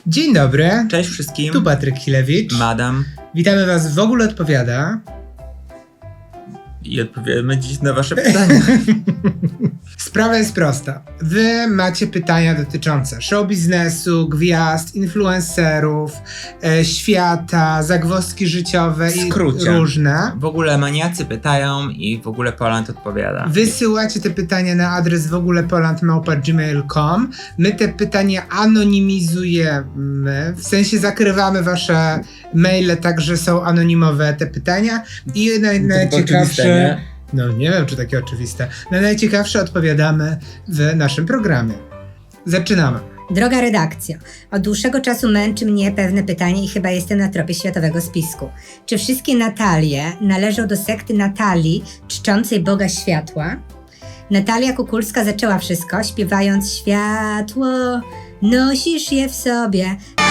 Dzień dobry. Cześć wszystkim. Tu Patryk Chilewicz. Madam. Witamy was w W ogóle odpowiada. I odpowiemy dziś na wasze pytania. Sprawa jest prosta. Wy macie pytania dotyczące show biznesu, gwiazd, influencerów, świata, zagwozdki życiowe W skrócie. i różne. W ogóle maniacy pytają i w ogóle Poland odpowiada. Wysyłacie te pytania na adres wogólepoland@gmail.com. My te pytania anonimizujemy, w sensie zakrywamy wasze maile, tak że są anonimowe te pytania i najciekawsze... No nie wiem, czy takie oczywiste. Na najciekawsze odpowiadamy w naszym programie. Zaczynamy. Droga redakcja, od dłuższego czasu męczy mnie pewne pytanie i chyba jestem na tropie światowego spisku. Czy wszystkie Natalie należą do sekty Natalii, czczącej Boga Światła? Natalia Kukulska zaczęła wszystko, śpiewając światło, nosisz je w sobie.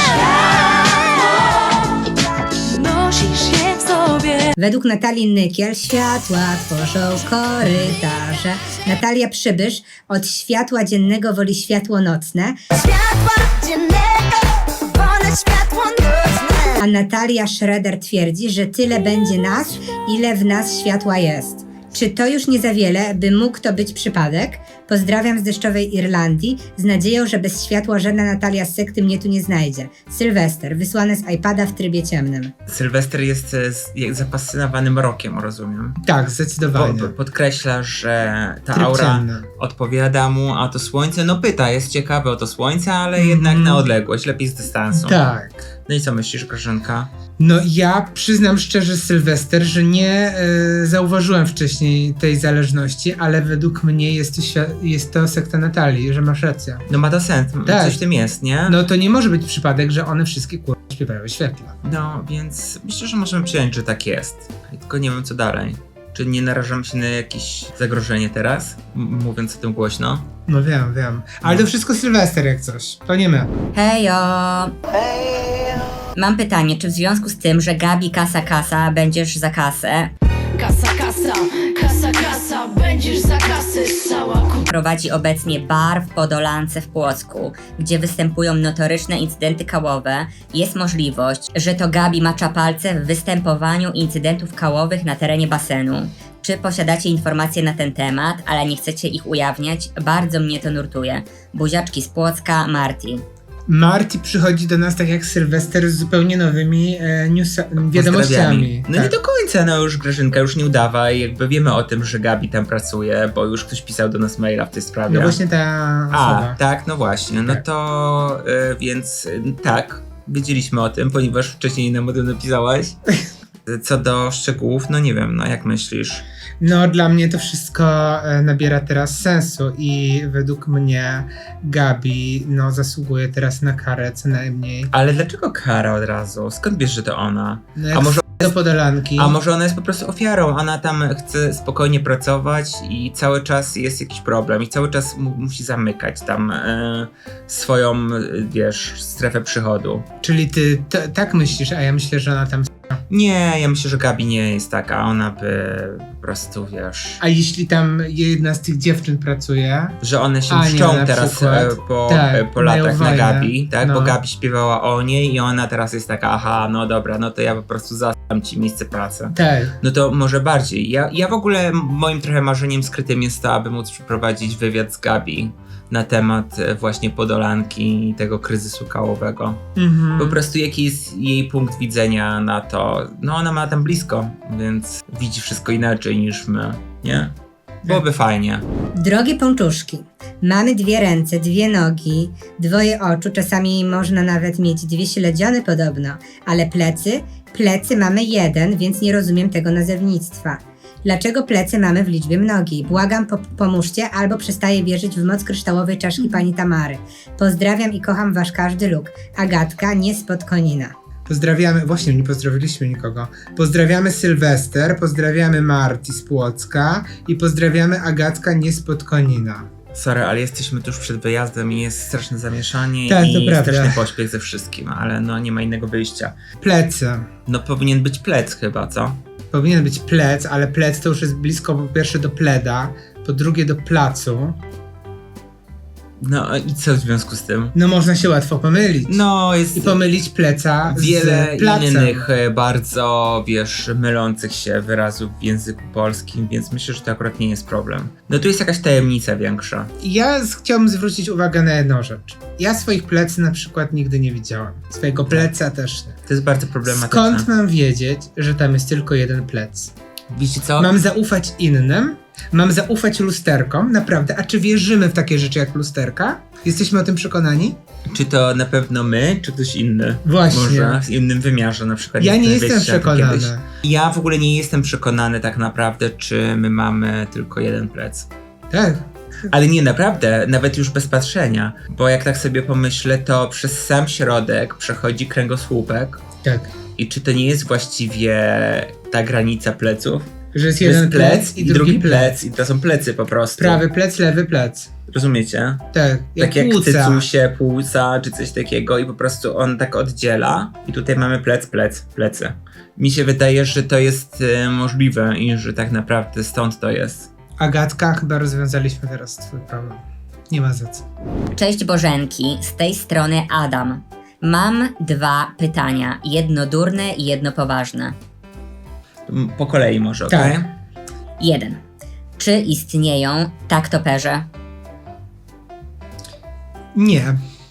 Nosisz je w sobie. Według Natalii Nykiel światła tworzą korytarze. Natalia Przybysz od światła dziennego woli światło nocne. Światła dziennego, wolę światło nocne. A Natalia Schroeder twierdzi, że tyle będzie nas, ile w nas światła jest. Czy to już nie za wiele, by mógł to być przypadek? Pozdrawiam z deszczowej Irlandii, z nadzieją, że bez światła żadna Natalia z sekty mnie tu nie znajdzie. Sylwester, wysłane z iPada w trybie ciemnym. Sylwester jest zafascynowany mrokiem, rozumiem. Tak, zdecydowanie. Podkreśla, że ta Tryb aura ciemny. odpowiada mu, a to słońce, no pyta, jest ciekawe o to słońce, ale jednak na odległość, lepiej z dystansu. Tak. No i co myślisz, Grażynka? No ja przyznam szczerze, Sylwester, że nie zauważyłem wcześniej tej zależności, ale według mnie jest to sekta Natalii, że masz rację. No ma to sens, Tak. coś w tym jest, nie? No to nie może być przypadek, że one wszystkie śpiewają świetla. No, więc myślę, że możemy przyjąć, że tak jest. Tylko nie wiem, co dalej. Czy nie narażam się na jakieś zagrożenie teraz, mówiąc o tym głośno? No wiem. Ale to wszystko Sylwester jak coś. To nie my. Hejo! Mam pytanie, czy w związku z tym, że Gabi kasa, będziesz za kasę, Kasa, będziesz za kasę ssała. prowadzi obecnie bar w Podolance w Płocku, gdzie występują notoryczne incydenty kałowe, jest możliwość, że to Gabi macza palce w występowaniu incydentów kałowych na terenie basenu. Czy posiadacie informacje na ten temat, ale nie chcecie ich ujawniać? Bardzo mnie to nurtuje. Buziaczki z Płocka, Marti. Marty przychodzi do nas tak jak Sylwester z zupełnie nowymi wiadomościami. No tak. nie do końca, no już Grażynka, już nie udawaj, jakby wiemy o tym, że Gabi tam pracuje, bo już ktoś pisał do nas maila w tej sprawie. No właśnie ta osoba. Tak, no właśnie, no Tak. to więc tak, wiedzieliśmy o tym, ponieważ wcześniej nam o tym napisałaś. Co do szczegółów, no nie wiem, no jak myślisz? No dla mnie to wszystko nabiera teraz sensu i według mnie Gabi zasługuje teraz na karę co najmniej. Ale dlaczego kara od razu? Skąd wiesz, że to ona? No jak A może do Podolanki. A może ona jest po prostu ofiarą, ona tam chce spokojnie pracować i cały czas jest jakiś problem i cały czas musi zamykać tam swoją, wiesz, strefę przychodu. Czyli ty tak myślisz, a ja myślę, że ona tam... Nie, ja myślę, że Gabi nie jest taka, ona by po prostu, wiesz... A jeśli tam jedna z tych dziewczyn pracuje... Że one się Ania mszczą na teraz przykład. po mają latach na wojnę. Gabi, tak? No. Bo Gabi śpiewała o niej i ona teraz jest taka, aha, no dobra, no to ja po prostu zastam ci miejsce pracy. Tak. No to może bardziej. Ja w ogóle moim trochę marzeniem skrytym jest to, aby móc przeprowadzić wywiad z Gabi na temat właśnie Podolanki i tego kryzysu kałowego. Mhm. Po prostu jaki jest jej punkt widzenia na to. No ona ma tam blisko, więc widzi wszystko inaczej niż my, nie? Byłoby fajnie. Drogie pączuszki, mamy 2 ręce, 2 nogi, 2 oczu, czasami można nawet mieć 2 śledziony podobno, ale plecy mamy 1, więc nie rozumiem tego nazewnictwa. Dlaczego plecy mamy w liczbie mnogiej? Błagam, pomóżcie, albo przestaję wierzyć w moc kryształowej czaszki pani Tamary. Pozdrawiam i kocham wasz każdy luk. Agatka, nie spod Konina. Pozdrawiamy, właśnie nie pozdrowiliśmy nikogo. Pozdrawiamy Sylwester, pozdrawiamy Marti z Płocka i pozdrawiamy Agatka nie spod Konina. Sorry, ale jesteśmy tuż przed wyjazdem i jest straszne zamieszanie Tak, to i prawda. straszny pośpiech ze wszystkim, ale no nie ma innego wyjścia. Plecy. No powinien być plec chyba, co? Powinien być plec, ale plec to już jest blisko po pierwsze do pleda, po drugie do placu. No i co w związku z tym? No można się łatwo pomylić. No jest I pomylić pleca wiele z placem. innych bardzo, wiesz, mylących się wyrazów w języku polskim, więc myślę, że to akurat nie jest problem. No tu jest jakaś tajemnica większa. Chciałbym zwrócić uwagę na jedną rzecz. Ja swoich plecy na przykład nigdy nie widziałam. Swojego pleca też nie. To jest bardzo problematyczne. Skąd mam wiedzieć, że tam jest tylko jeden plec? Wiecie co? Mam zaufać innym? Mam zaufać lusterkom? Naprawdę? A czy wierzymy w takie rzeczy jak lusterka? Jesteśmy o tym przekonani? Czy to na pewno my, czy ktoś inny? Właśnie. Może w innym wymiarze na przykład. Ja nie Wiecie, jestem jak przekonany. kiedyś. Ja w ogóle nie jestem przekonany tak naprawdę, czy my mamy tylko jeden plec. Tak. Ale nie, naprawdę, nawet już bez patrzenia. Bo jak tak sobie pomyślę, to przez sam środek przechodzi kręgosłupek. Tak. I czy to nie jest właściwie ta granica pleców? Że jest To jest jeden plec i drugi plec. i to są plecy po prostu. Prawy plec, lewy plec. Rozumiecie? Tak. Tak jak płuca. cycusie, płuca czy coś takiego i po prostu on tak oddziela i tutaj mamy plecy. Mi się wydaje, że to jest możliwe i że tak naprawdę stąd to jest. Agatka, chyba rozwiązaliśmy teraz twój problem. Nie ma za co. Cześć Bożenki, z tej strony Adam. Mam 2 pytania, jedno durne i jedno poważne. Po kolei może, Tak. okej? 1. Czy istnieją taktoperze? Nie.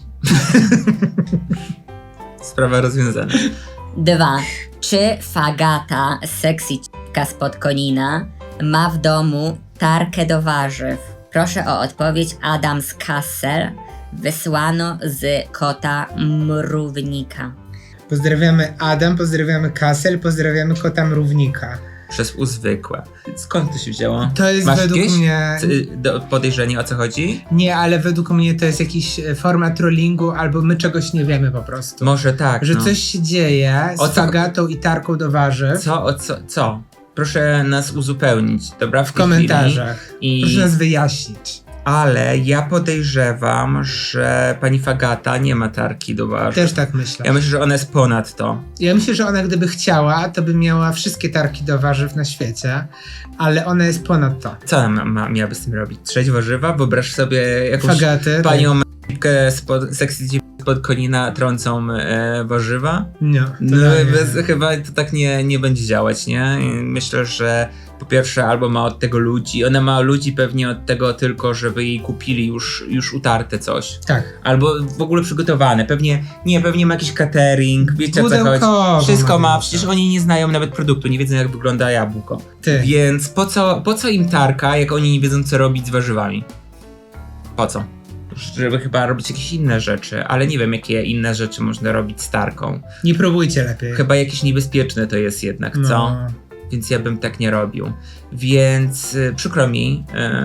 Sprawa rozwiązana. 2. Czy Fagata, sexy c***ka spod Konina, ma w domu tarkę do warzyw? Proszę o odpowiedź Adam z Kassel. Wysłano z kota Mrównika. Pozdrawiamy Adam, pozdrawiamy Kassel, pozdrawiamy kota Mrównika. Przez uzwykłe. Skąd to się wzięło? To jest Masz według jakieś mnie... podejrzenie, o co chodzi? Nie, ale według mnie to jest jakiś forma trollingu, albo my czegoś nie wiemy po prostu. Może tak, Że no. coś się dzieje O z co- fagatą i tarką do warzyw. Co? Proszę nas uzupełnić, dobra? W komentarzach. I... Proszę nas wyjaśnić. Ale ja podejrzewam, że pani Fagata nie ma tarki do warzyw. Też tak myślę. Ja myślę, że ona jest ponad to. Ja myślę, że ona gdyby chciała, to by miała wszystkie tarki do warzyw na świecie, ale ona jest ponad to. Co ona miałaby z tym robić? Trzeć warzywa? Wyobraź sobie jakąś Fagaty. panią m***kę spod Konina trącą warzywa? Nie, to No nie. chyba to tak nie będzie działać, nie? I myślę, że po pierwsze albo ma od tego ludzi, ona ma ludzi pewnie od tego tylko, żeby jej kupili już utarte coś. Tak. Albo w ogóle przygotowane. Pewnie ma jakiś catering, wiecie o co Pudełkowo chodzi. Wszystko ma, ma przecież być. oni nie znają nawet produktu, nie wiedzą jak wygląda jabłko. Ty. Więc po co im tarka, jak oni nie wiedzą co robić z warzywami? Po co? Żeby chyba robić jakieś inne rzeczy, ale nie wiem jakie inne rzeczy można robić z tarką. Nie próbujcie lepiej. Chyba jakieś niebezpieczne to jest jednak, co? No. Więc ja bym tak nie robił. Więc przykro mi,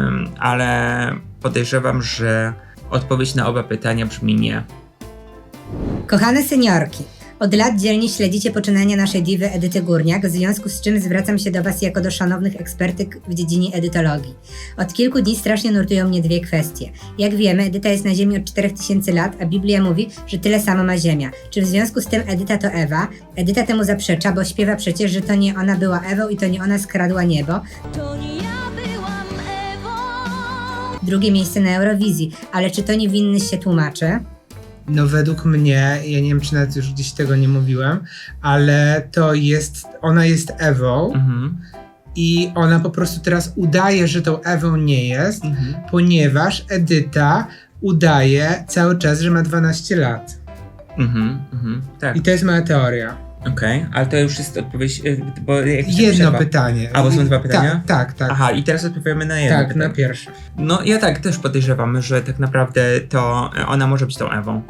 ale podejrzewam, że odpowiedź na oba pytania brzmi nie. Kochane seniorki, od lat dzielnie śledzicie poczynania naszej diwy Edyty Górniak, w związku z czym zwracam się do Was jako do szanownych ekspertyk w dziedzinie edytologii. Od kilku dni strasznie nurtują mnie 2 kwestie. Jak wiemy, Edyta jest na Ziemi od 4000 lat, a Biblia mówi, że tyle samo ma Ziemia. Czy w związku z tym Edyta to Ewa? Edyta temu zaprzecza, bo śpiewa przecież, że to nie ona była Ewą i to nie ona skradła niebo. To nie ja byłam Ewą. Drugie miejsce na Eurowizji, ale czy to niewinny się tłumaczy? No według mnie, ja nie wiem czy nawet już gdzieś tego nie mówiłem, ale ona jest Ewą i ona po prostu teraz udaje, że tą Ewą nie jest, ponieważ Edyta udaje cały czas, że ma 12 lat. Tak. I to jest moja teoria. Okej, ale to już jest odpowiedź, bo jakieś tam Jedno przerwa. pytanie. A, bo są 2 pytania? Tak. Aha, i teraz odpowiemy na jedno Tak, pytanie. na pierwsze. No ja tak też podejrzewam, że tak naprawdę to ona może być tą Ewą.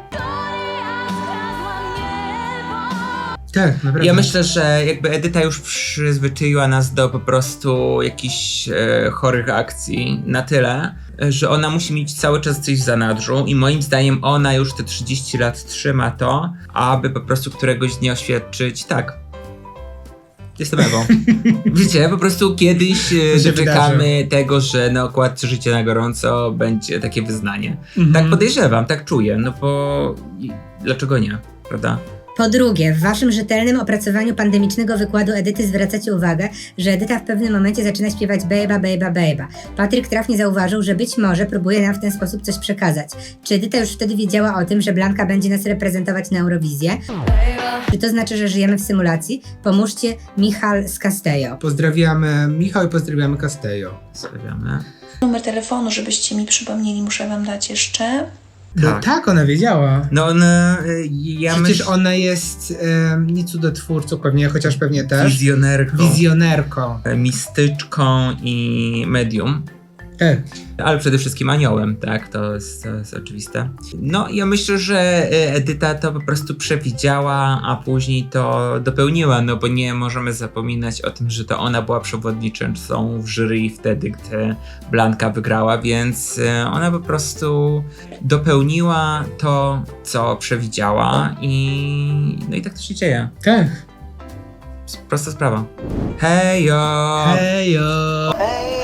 Tak, naprawdę. Ja myślę, że jakby Edyta już przyzwyczaiła nas do po prostu jakichś chorych akcji na tyle, że ona musi mieć cały czas coś w zanadrzu i moim zdaniem ona już te 30 lat trzyma to, aby po prostu któregoś dnia oświadczyć, tak, jestem Ewą. Wiecie, po prostu kiedyś się doczekamy tego, że na okładce Życie na gorąco będzie takie wyznanie. Mhm. Tak podejrzewam, tak czuję, no bo dlaczego nie, prawda? Po drugie, w waszym rzetelnym opracowaniu pandemicznego wykładu Edyty zwracacie uwagę, że Edyta w pewnym momencie zaczyna śpiewać bejba, bejba, bejba. Patryk trafnie zauważył, że być może próbuje nam w ten sposób coś przekazać. Czy Edyta już wtedy wiedziała o tym, że Blanka będzie nas reprezentować na Eurowizję? Czy to znaczy, że żyjemy w symulacji? Pomóżcie, Michal z Castello. Pozdrawiamy Michał i pozdrawiamy Castello. Stawiamy. Numer telefonu, żebyście mi przypomnieli, muszę wam dać jeszcze. No tak, ona wiedziała. No ja Przecież myślę, ona jest nie cudotwórcą pewnie, chociaż pewnie też. Wizjonerką. Mistyczką i medium. Ale przede wszystkim aniołem, tak, to jest oczywiste. No, ja myślę, że Edyta to po prostu przewidziała, a później to dopełniła, no bo nie możemy zapominać o tym, że to ona była przewodniczącą w jury wtedy, gdy Blanka wygrała, więc ona po prostu dopełniła to, co przewidziała no i tak to się dzieje. Tak. Prosta sprawa. Hejo! Hejo!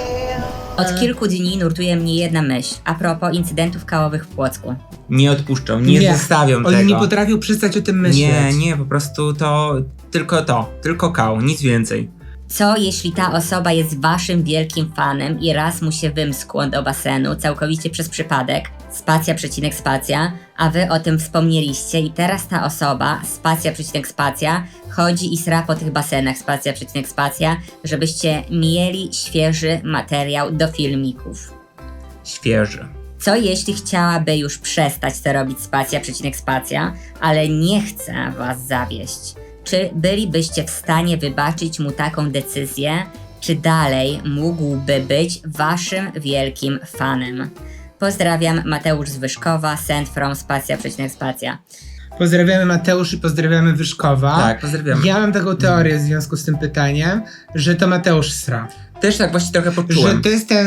Od kilku dni nurtuje mnie jedna myśl a propos incydentów kałowych w Płocku. Nie odpuszczą, nie zostawią tego. Oni nie potrafią przestać o tym myśleć. Nie, po prostu tylko kał, nic więcej. Co jeśli ta osoba jest waszym wielkim fanem i raz mu się wymskło do basenu całkowicie przez przypadek, spacja, przecinek, spacja, a wy o tym wspomnieliście i teraz ta osoba, spacja, przecinek, spacja, chodzi i sra po tych basenach, spacja, przecinek, spacja, żebyście mieli świeży materiał do filmików. Świeży. Co jeśli chciałaby już przestać to robić spacja, przecinek, spacja, ale nie chce was zawieść? Czy bylibyście w stanie wybaczyć mu taką decyzję, czy dalej mógłby być waszym wielkim fanem? Pozdrawiam, Mateusz z Wyszkowa, send from spacja, przecinek, spacja. Pozdrawiamy Mateusz i pozdrawiamy Wyszkowa. Tak, pozdrawiamy. Ja mam taką teorię w związku z tym pytaniem, że to Mateusz sra. Też tak właśnie trochę Że poczułem.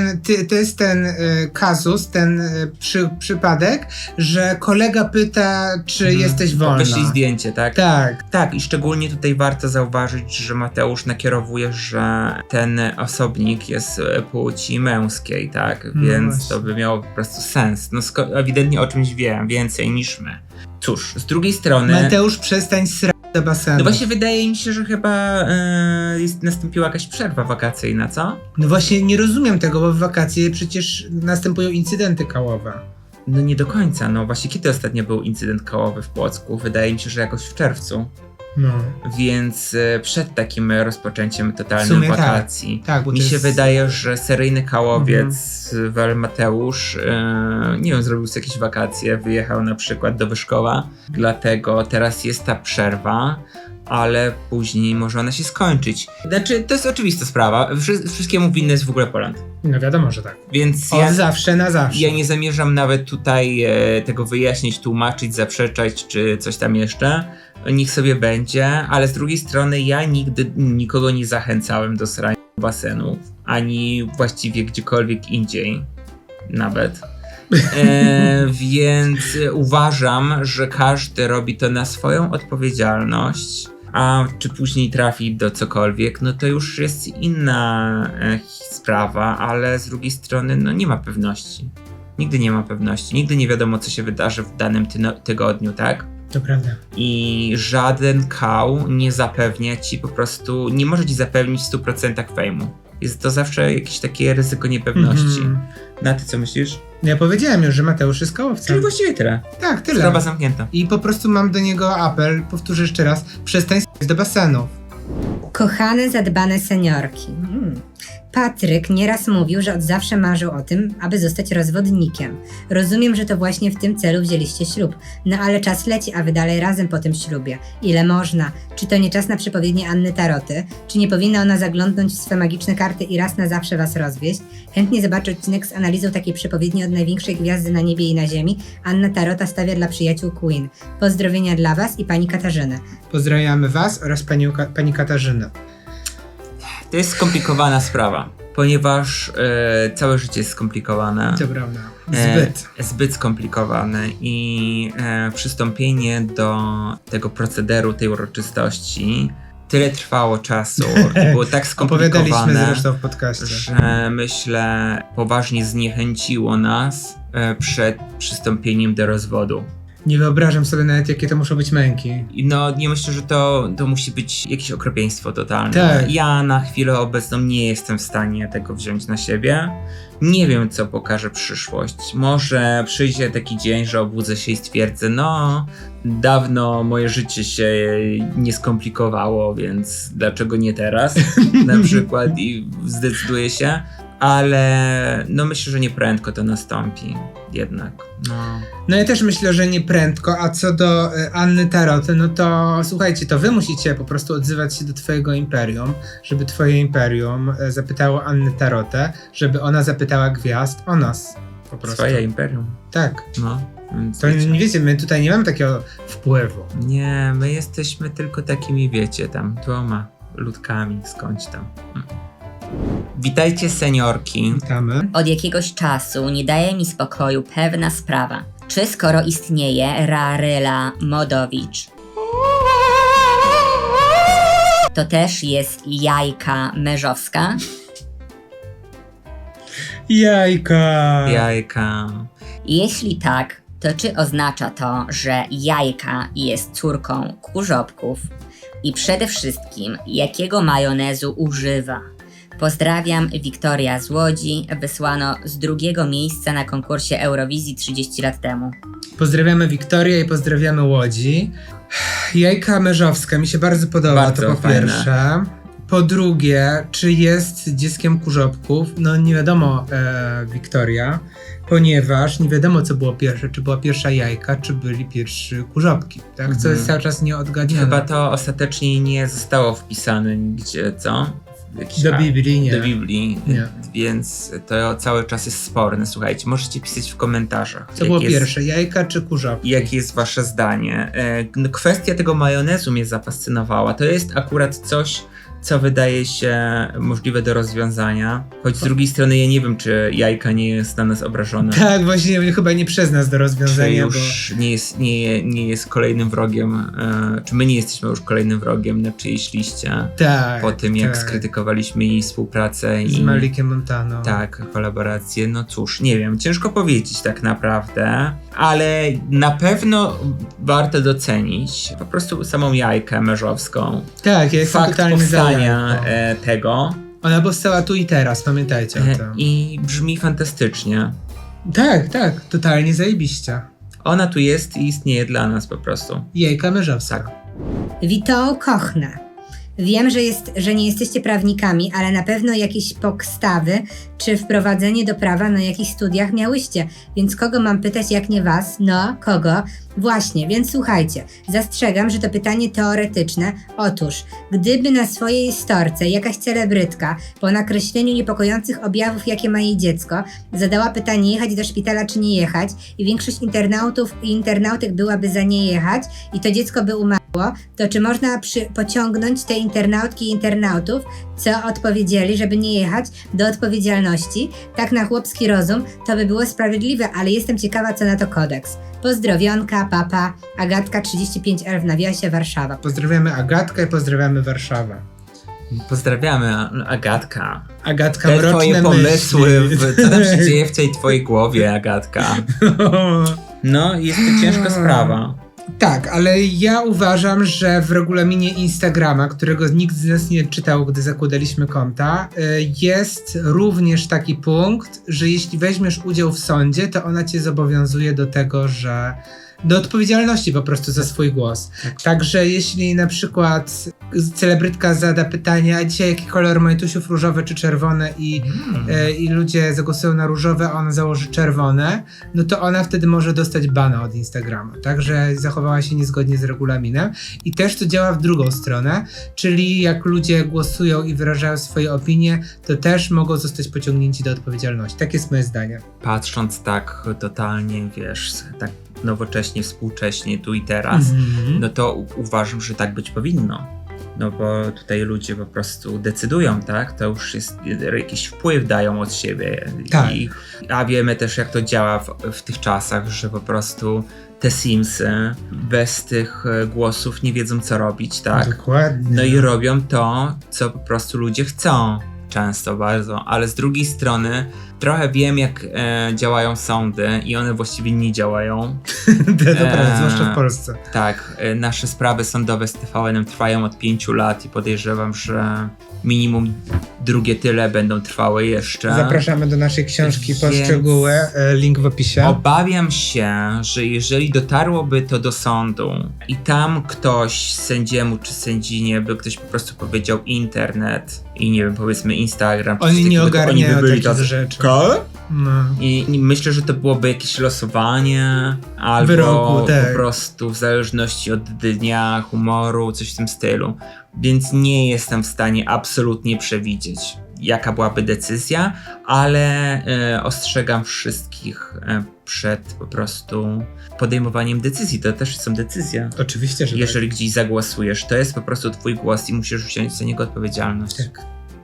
to jest ten kazus, ten przypadek, że kolega pyta, czy jesteś wolna. Wyślij zdjęcie, tak? Tak. Tak, i szczególnie tutaj warto zauważyć, że Mateusz nakierowuje, że ten osobnik jest płci męskiej, tak? No Więc właśnie. to by miało po prostu sens. No ewidentnie o czymś wie więcej niż my. Cóż, z drugiej strony... Mateusz, przestań srać do basenu. No właśnie wydaje mi się, że chyba nastąpiła jakaś przerwa wakacyjna, co? No właśnie nie rozumiem tego, bo w wakacje przecież następują incydenty kałowe. No nie do końca, no właśnie kiedy ostatnio był incydent kałowy w Płocku? Wydaje mi się, że jakoś w czerwcu. No. Więc przed takim rozpoczęciem W totalnym sumie wakacji. Tak, bo Mi to się jest... wydaje, że seryjny kałowiec Wel Mateusz, nie wiem, zrobił sobie jakieś wakacje, wyjechał na przykład do Wyszkowa, dlatego teraz jest ta przerwa, ale później może ona się skończyć. Znaczy, to jest oczywista sprawa, wszystkiemu winny jest w ogóle Poland. No wiadomo, że tak. Więc Od zawsze na zawsze. ja nie zamierzam nawet tutaj tego wyjaśnić, tłumaczyć, zaprzeczać, czy coś tam jeszcze. Niech sobie będzie, ale z drugiej strony ja nigdy nikogo nie zachęcałem do srania basenów, ani właściwie gdziekolwiek indziej nawet. Więc uważam, że każdy robi to na swoją odpowiedzialność, a czy później trafi do cokolwiek, no to już jest inna sprawa, ale z drugiej strony no nie ma pewności. Nigdy nie ma pewności, nigdy nie wiadomo, co się wydarzy w danym tygodniu, tak? To prawda. I żaden kał nie zapewnia ci po prostu, nie może ci zapewnić w 100% fejmu. Jest to zawsze jakieś takie ryzyko niepewności. Na ty co myślisz? Ja powiedziałem już, że Mateusz jest kołowcem. Czyli właściwie tyle. Tak, tyle. Sprawa zamknięta. I po prostu mam do niego apel, powtórzę jeszcze raz, przestań s***ć do basenu. Kochane, zadbane seniorki. Patryk nieraz mówił, że od zawsze marzył o tym, aby zostać rozwodnikiem. Rozumiem, że to właśnie w tym celu wzięliście ślub. No ale czas leci, a wy dalej razem po tym ślubie. Ile można? Czy to nie czas na przepowiednie Anny Taroty? Czy nie powinna ona zaglądnąć w swe magiczne karty i raz na zawsze was rozwieść? Chętnie zobaczę odcinek z analizą takiej przepowiedni od największej gwiazdy na niebie i na ziemi. Anna Tarota stawia dla przyjaciół Queen. Pozdrowienia dla was i pani Katarzyny. Pozdrawiamy was oraz pani Katarzynę. To jest skomplikowana sprawa, ponieważ całe życie jest skomplikowane. To prawda. Zbyt skomplikowane i przystąpienie do tego procederu, tej uroczystości tyle trwało czasu i było tak Opowiadaliśmy skomplikowane, zresztą w podcaście. że myślę poważnie zniechęciło nas przed przystąpieniem do rozwodu. Nie wyobrażam sobie nawet, jakie to muszą być męki. I no, nie myślę, że to musi być jakieś okropieństwo totalne. Tak. Ja na chwilę obecną nie jestem w stanie tego wziąć na siebie. Nie wiem, co pokaże przyszłość. Może przyjdzie taki dzień, że obudzę się i stwierdzę, no, dawno moje życie się nie skomplikowało, więc dlaczego nie teraz? Na przykład i zdecyduję się. Ale no myślę, że nie prędko to nastąpi jednak. No. No ja też myślę, że nie prędko, a co do Anny Taroty, no to słuchajcie, to wy musicie po prostu odzywać się do twojego imperium, żeby twoje imperium zapytało Annę Tarotę, żeby ona zapytała gwiazd o nas. Po prostu. Swoje imperium. Tak. No. Więc To nie wiecie, my tutaj nie mamy takiego wpływu. Nie, my jesteśmy tylko takimi, wiecie, tam 2 ludkami skądś tam. Witajcie, seniorki. Witamy. Od jakiegoś czasu nie daje mi spokoju pewna sprawa. Czy skoro istnieje Raryla Modowicz, to też jest Jajka Merzowska? Jajka. Jajka. Jeśli tak, to czy oznacza to, że Jajka jest córką Kurzopków? I przede wszystkim, jakiego majonezu używa? Pozdrawiam, Wiktoria z Łodzi, wysłano z 2. miejsca na konkursie Eurowizji 30 lat temu. Pozdrawiamy Wiktorię i pozdrawiamy Łodzi. Jajka Merzowska mi się bardzo podoba, Bardzo to po fajne. pierwsze. Po drugie, czy jest dzieckiem Kurzopków? No nie wiadomo, Wiktoria, ponieważ nie wiadomo, co było pierwsze. Czy była pierwsza Jajka, czy byli pierwsi Kurzopki, tak? Co jest cały czas nieodgadnione. Chyba to ostatecznie nie zostało wpisane nigdzie, co? Jakiś Do Biblii nie. Do Biblii, Nie. więc to cały czas jest sporne. Słuchajcie, możecie pisać w komentarzach. Co było pierwsze, Jajka czy Kurzopki? Jakie jest wasze zdanie? No, kwestia tego majonezu mnie zafascynowała. To jest akurat coś, co wydaje się możliwe do rozwiązania. Choć z drugiej strony ja nie wiem, czy Jajka nie jest na nas obrażona. Tak, właśnie chyba nie przez nas do Czy rozwiązania, już nie jest kolejnym wrogiem, czy my nie jesteśmy już kolejnym wrogiem na czyjejś liście bo... Tak, po tym, jak tak. skrytykowaliśmy jej współpracę Z i Malikiem Montano. tak, kolaborację. No cóż, nie wiem, ciężko powiedzieć tak naprawdę, ale na pewno warto docenić po prostu samą Jajkę Merzowską. Tak, ja jestem Fakt totalnie za powstania Jajką. tego Ona powstała tu i teraz, pamiętajcie o tym. i brzmi fantastycznie. Tak, tak, totalnie zajebiście. Ona tu jest i istnieje dla nas po prostu. Jajka Merzowska. Tak. Wito Kochne. Wiem, że nie jesteście prawnikami, ale na pewno jakieś podstawy czy wprowadzenie do prawa na jakichś studiach miałyście. Więc kogo mam pytać, jak nie was? No, kogo? Właśnie, więc słuchajcie. Zastrzegam, że to pytanie teoretyczne. Otóż, gdyby na swojej storce jakaś celebrytka po nakreśleniu niepokojących objawów, jakie ma jej dziecko, zadała pytanie, jechać do szpitala czy nie jechać, i większość internautów i internautek byłaby za nie jechać i to dziecko by umarło, to czy można pociągnąć te internautki i internautów, co odpowiedzieli, żeby nie jechać, do odpowiedzialności? Tak na chłopski rozum to by było sprawiedliwe, ale jestem ciekawa, co na to kodeks. Pozdrowionka, papa, Agatka 35L w nawiasie, Warszawa. Pozdrawiamy Agatkę i pozdrawiamy Warszawę. Pozdrawiamy, Agatka. Agatka, Te mroczne twoje pomysły, myśli. co tam się dzieje w tej twojej głowie, Agatka. No, jest to ciężka sprawa. Tak, ale ja uważam, że w regulaminie Instagrama, którego nikt z nas nie czytał, gdy zakładaliśmy konta, jest również taki punkt, że jeśli weźmiesz udział w sądzie, to ona cię zobowiązuje do tego, że do odpowiedzialności po prostu za swój głos. Także jeśli na przykład celebrytka zada pytanie, a dzisiaj jaki kolor majtusiów, różowe czy czerwone, i ludzie zagłosują na różowe, a ona założy czerwone, no to ona wtedy może dostać bana od Instagrama. Także zachowała się niezgodnie z regulaminem. I też to działa w drugą stronę, czyli jak ludzie głosują i wyrażają swoje opinie, to też mogą zostać pociągnięci do odpowiedzialności. Tak jest moje zdanie. Patrząc tak totalnie, wiesz, tak nowocześnie, współcześnie, tu i teraz, no to uważam, że tak być powinno. No bo tutaj ludzie po prostu decydują, tak? To już jest jakiś wpływ dają od siebie. Tak. A wiemy też, jak to działa w tych czasach, że po prostu te Simsy bez tych głosów nie wiedzą, co robić, tak? Dokładnie. No i robią to, co po prostu ludzie chcą. Często bardzo, ale z drugiej strony trochę wiem, jak działają sądy i one właściwie nie działają. To prawda, zwłaszcza w Polsce. Tak, nasze sprawy sądowe z TVN-em trwają od 5 lat i podejrzewam, że minimum drugie tyle będą trwały jeszcze. Zapraszamy do naszej książki po Więc- szczegóły, link w opisie. Obawiam się, że jeżeli dotarłoby to do sądu i tam ktoś sędziemu czy sędzinie by ktoś po prostu powiedział internet i nie wiem, powiedzmy Instagram, czy Oni coś nie takiego, to ogarniają by byli takich tacy, rzeczy. "Co?" No. I myślę, że to byłoby jakieś losowanie, albo Wyroku, tak. po prostu w zależności od dnia, humoru, coś w tym stylu. Więc nie jestem w stanie absolutnie przewidzieć, jaka byłaby decyzja, ale ostrzegam wszystkich przed po prostu podejmowaniem decyzji. To też są decyzje. Oczywiście, że Jeżeli gdzieś zagłosujesz, to jest po prostu twój głos i musisz wziąć za niego odpowiedzialność. tak.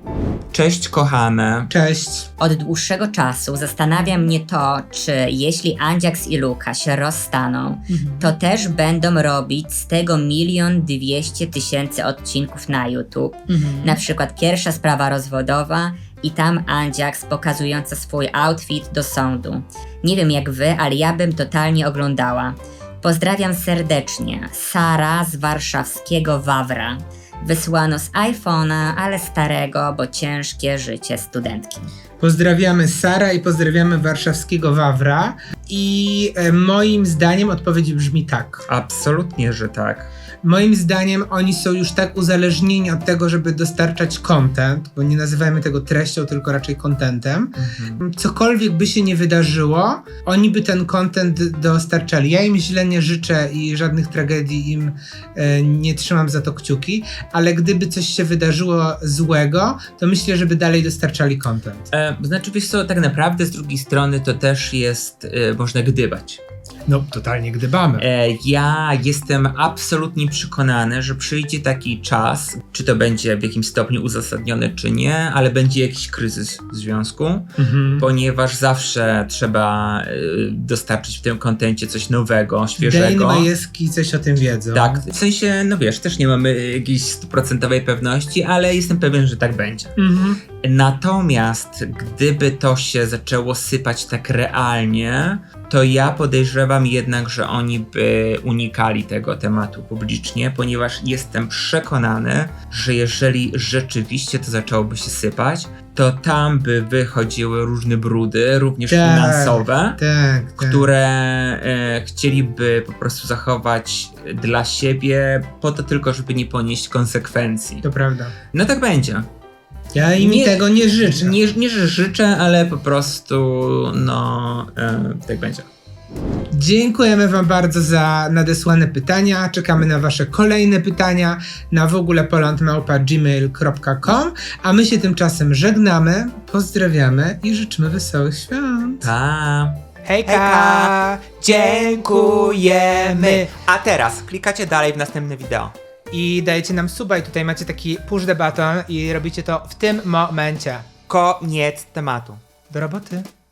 Cześć kochane. Cześć. Od dłuższego czasu zastanawia mnie to, czy jeśli Andziaks i Luka się rozstaną, to też będą robić z tego 1 200 000 odcinków na YouTube. Na przykład pierwsza sprawa rozwodowa i tam Andziaks pokazująca swój outfit do sądu. Nie wiem jak wy, ale ja bym totalnie oglądała. Pozdrawiam serdecznie. Sara z warszawskiego Wawra. Wysłano z iPhone'a, ale starego, bo ciężkie życie studentki. Pozdrawiamy Sara i pozdrawiamy warszawskiego Wawra. I moim zdaniem odpowiedź brzmi tak. Absolutnie, że tak. Moim zdaniem oni są już tak uzależnieni od tego, żeby dostarczać content, bo nie nazywajmy tego treścią, tylko raczej contentem. Cokolwiek by się nie wydarzyło, oni by ten content dostarczali. Ja im źle nie życzę i żadnych tragedii im nie trzymam za to kciuki, ale gdyby coś się wydarzyło złego, to myślę, żeby dalej dostarczali content. Znaczy, wiesz co, tak naprawdę z drugiej strony to też jest, można gdybać. No, totalnie gdybamy. Ja jestem absolutnie przekonany, że przyjdzie taki czas, czy to będzie w jakimś stopniu uzasadnione, czy nie, ale będzie jakiś kryzys w związku, ponieważ zawsze trzeba dostarczyć w tym kontencie coś nowego, świeżego. Dane Majewski coś o tym wiedzą. Tak, w sensie, no wiesz, też nie mamy jakiejś 100% pewności, ale jestem pewien, że tak będzie. Natomiast gdyby to się zaczęło sypać tak realnie, to ja podejrzewam jednak, że oni by unikali tego tematu publicznie, ponieważ jestem przekonany, że jeżeli rzeczywiście to zaczęłoby się sypać, to tam by wychodziły różne brudy, również Tak, finansowe, Tak. które chcieliby po prostu zachować dla siebie po to tylko, żeby nie ponieść konsekwencji. To prawda. No tak będzie. Ja im tego nie życzę. Nie, że życzę, ale po prostu no tak będzie. Dziękujemy wam bardzo za nadesłane pytania. Czekamy na wasze kolejne pytania na wogólepoland@gmail.com, a my się tymczasem żegnamy, pozdrawiamy i życzymy wesołych świąt. Pa! Hejka! Dziękujemy! A teraz klikacie dalej w następne wideo. I dajecie nam suba i tutaj macie taki push the button i robicie to w tym momencie. Koniec tematu. Do roboty.